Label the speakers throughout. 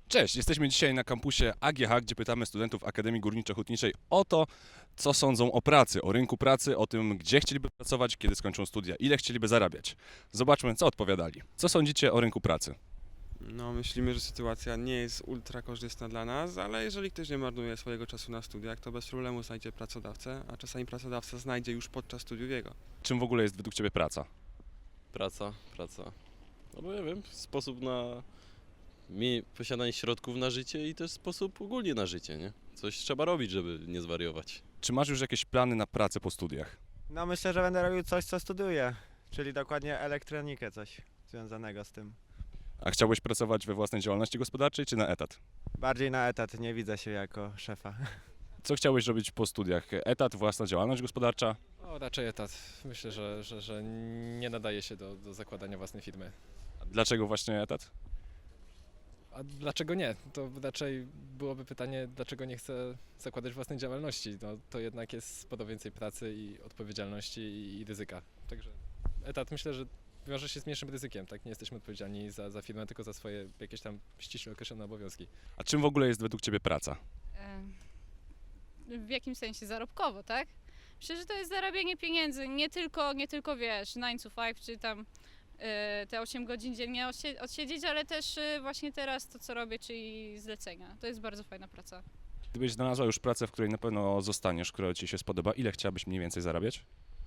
Speaker 1: Cześć, jesteśmy dzisiaj na kampusie AGH, gdzie pytamy studentów Akademii Górniczo-Hutniczej o to, co sądzą o pracy, o rynku pracy, o tym, gdzie chcieliby pracować, kiedy skończą studia, ile chcieliby zarabiać. Zobaczmy, co odpowiadali. Co sądzicie o rynku pracy?
Speaker 2: No, myślimy, że sytuacja nie jest ultra korzystna dla nas, ale jeżeli ktoś nie marnuje swojego czasu na studiach, to bez problemu znajdzie pracodawcę, a czasami pracodawca znajdzie już podczas studiów jego.
Speaker 1: Czym w ogóle jest według Ciebie praca?
Speaker 3: Praca. No bo ja wiem, sposób na posiadanie środków na życie i też sposób ogólnie na życie, nie? Coś trzeba robić, żeby nie zwariować.
Speaker 1: Czy masz już jakieś plany na pracę po studiach?
Speaker 4: No myślę, że będę robił coś, co studiuję, czyli dokładnie elektronikę, coś związanego z tym.
Speaker 1: A chciałbyś pracować we własnej działalności gospodarczej czy na etat?
Speaker 4: Bardziej na etat, nie widzę się jako szefa.
Speaker 1: Co chciałbyś robić po studiach? Etat, własna działalność gospodarcza?
Speaker 5: O, raczej etat. Myślę, że nie nadaje się do zakładania własnej firmy.
Speaker 1: A dlaczego właśnie etat?
Speaker 5: A dlaczego nie? To raczej byłoby pytanie, dlaczego nie chcę zakładać własnej działalności. No, to jednak jest sporo więcej pracy i odpowiedzialności i ryzyka. Także etat myślę, że wiąże się z mniejszym ryzykiem. Tak? Nie jesteśmy odpowiedzialni za firmę, tylko za swoje jakieś tam ściśle określone obowiązki.
Speaker 1: A czym w ogóle jest według Ciebie praca?
Speaker 6: W jakimś sensie zarobkowo, tak? Myślę, że to jest zarabianie pieniędzy, nie tylko wiesz, 9 to 5 czy tam te 8 godzin dziennie odsiedzieć, ale też właśnie teraz to, co robię, czyli zlecenia. To jest bardzo fajna praca.
Speaker 1: Gdybyś znalazła już pracę, w której na pewno zostaniesz, która Ci się spodoba, ile chciałabyś mniej więcej zarabiać?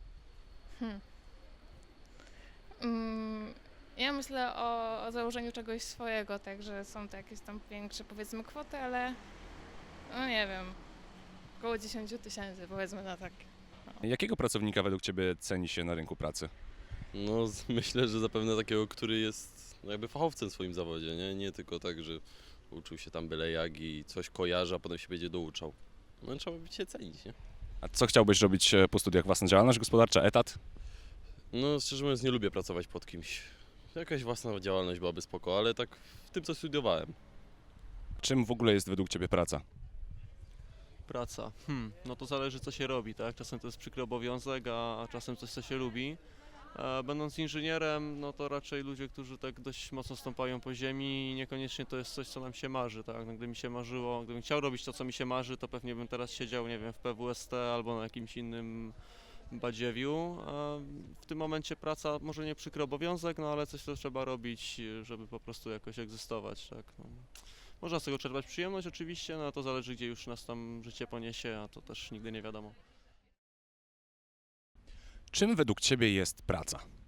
Speaker 7: Ja myślę o założeniu czegoś swojego, także są to jakieś tam większe, powiedzmy, kwoty, ale no nie wiem, około 10 000 powiedzmy na tak.
Speaker 1: Jakiego pracownika według Ciebie ceni się na rynku pracy?
Speaker 3: No, myślę, że zapewne takiego, który jest jakby fachowcem w swoim zawodzie, nie? Nie tylko tak, że uczył się tam byle jak i coś kojarzy, a potem się będzie douczał. No trzeba by się cenić, nie?
Speaker 1: A co chciałbyś robić po studiach? Własna działalność gospodarcza, etat?
Speaker 3: No, szczerze mówiąc, nie lubię pracować pod kimś. Jakaś własna działalność byłaby spoko, ale tak w tym, co studiowałem.
Speaker 1: Czym w ogóle jest według Ciebie praca?
Speaker 8: Praca. No to zależy co się robi, tak? Czasem to jest przykry obowiązek, a czasem coś co się lubi. Będąc inżynierem, no to raczej ludzie, którzy tak dość mocno stąpają po ziemi i niekoniecznie to jest coś, co nam się marzy, tak? No, gdyby mi się marzyło, gdybym chciał robić to, co mi się marzy, to pewnie bym teraz siedział, nie wiem, w PWST albo na jakimś innym badziewiu. A w tym momencie praca, może nie przykry obowiązek, no ale coś, co trzeba robić, żeby po prostu jakoś egzystować, tak? No. Można z tego czerpać przyjemność oczywiście, no a to zależy, gdzie już nas tam życie poniesie, a to też nigdy nie wiadomo.
Speaker 1: Czym według Ciebie jest praca?